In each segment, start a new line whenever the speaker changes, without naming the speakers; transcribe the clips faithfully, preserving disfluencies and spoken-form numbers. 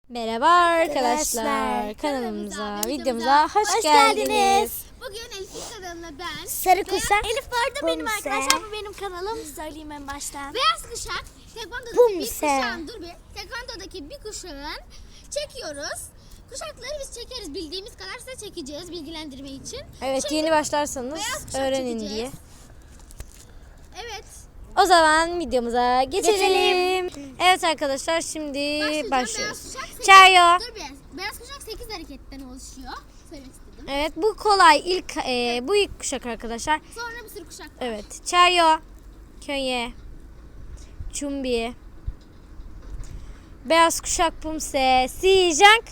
Merhaba arkadaşlar,
Arkadaşlar,
kanalımıza,
videomuza,
videomuza hoş,
hoş
geldiniz.
geldiniz.
Bugün Elif'in kanalına ben
Sarı kuşak.
Elif bu arada benim
Bumse.
arkadaşlar, bu benim kanalım. Söyleyeyim en baştan. Beyaz kuşak, Tekvando'daki bir
Bumse.
kuşağın, dur bir. Tekvando'daki bir kuşağın çekiyoruz. Kuşakları biz çekeriz. Bildiğimiz kadar size çekeceğiz bilgilendirme için.
Evet,
Şimdi
yeni başlarsanız
beyaz kuşak
öğrenin
çekeceğiz.
diye.
Evet.
O zaman videomuza geçelim.
Geçelim.
Evet arkadaşlar, şimdi
Başlayacağım.
başlıyoruz.
Beyaz kuşak sekiz-
Çayo.
Dur bir. Beyaz kuşak sekiz hareketten oluşuyor. Söylemek istedim.
Evet, bu kolay ilk e, bu ilk kuşak arkadaşlar.
Sonra bir sürü kuşak var.
Evet, Çayo, Könye, Çumbi, Beyaz kuşak Pumse, Sijang,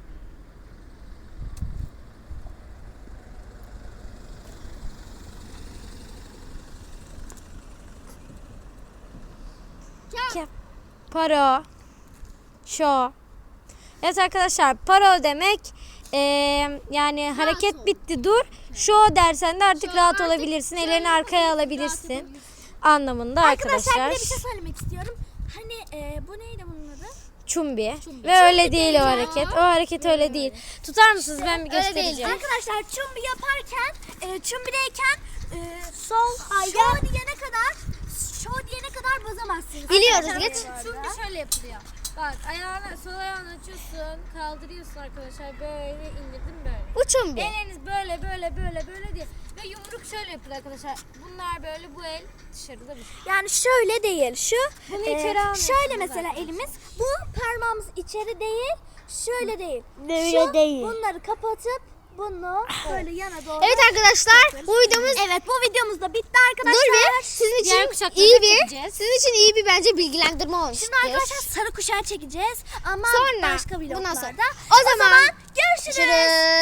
Kağıt.
Paro, Şo. Evet arkadaşlar, paro demek eee, yani hareket
ol.
bitti dur. Şo dersen de artık
Şo,
rahat
artık
olabilirsin.
şöyle
Ellerini arkaya
yapabilirsin, rahat
alabilirsin.
olabilirsin.
Anlamında
Arkadaşlar
arkadaşlar.
bir de bir şey söylemek istiyorum. Hani e, bu neydi bunun adı?
Çumbi.
Çumbi.
Ve öyle
Çumbi
değil o
değil
hareket.
ya.
O hareket öyle değil. Tutar mısınız? Ben bir
Öyle değil.
göstereceğim.
Arkadaşlar çumbi yaparken, e, çumbideyken e, sol şo diyene kadar, şo diyene kadar bozamazsınız.
Biliyoruz,
Arkadaşlar,
geç.
bu arada.
Çumbi şöyle yapılıyor. Bak ayağını, sol ayağını açıyorsun, kaldırıyorsun arkadaşlar. Böyle indirdim böyle.
Bu çumbi.
Elleriniz böyle böyle böyle böyle değil. Ve yumruk şöyle yapılır arkadaşlar. Bunlar böyle, bu el dışarıda bir şey.
Yani şöyle değil, şu
Bunu
e,
içeri almıyorsunuz
şöyle mesela
arkadaşlar.
elimiz, bu parmağımız içeri değil, şöyle değil.
Böyle
şu,
değil.
bunları kapatıp bunu böyle yana doğru.
Evet arkadaşlar, bu videomuz
Evet, bu videomuz da bitti arkadaşlar.
dur bir. Sizin
Diğer
için
kuşakları
iyi
da
bir,
çekeceğiz.
sizin için iyi bir bence bilgilendirme olmuştur.
Şimdi arkadaşlar sarı kuşağı çekeceğiz ama
Sonra,
başka
bundan
vloglarda.
sonra.
O,
O zaman
görüşürüz.
Görüşürüz.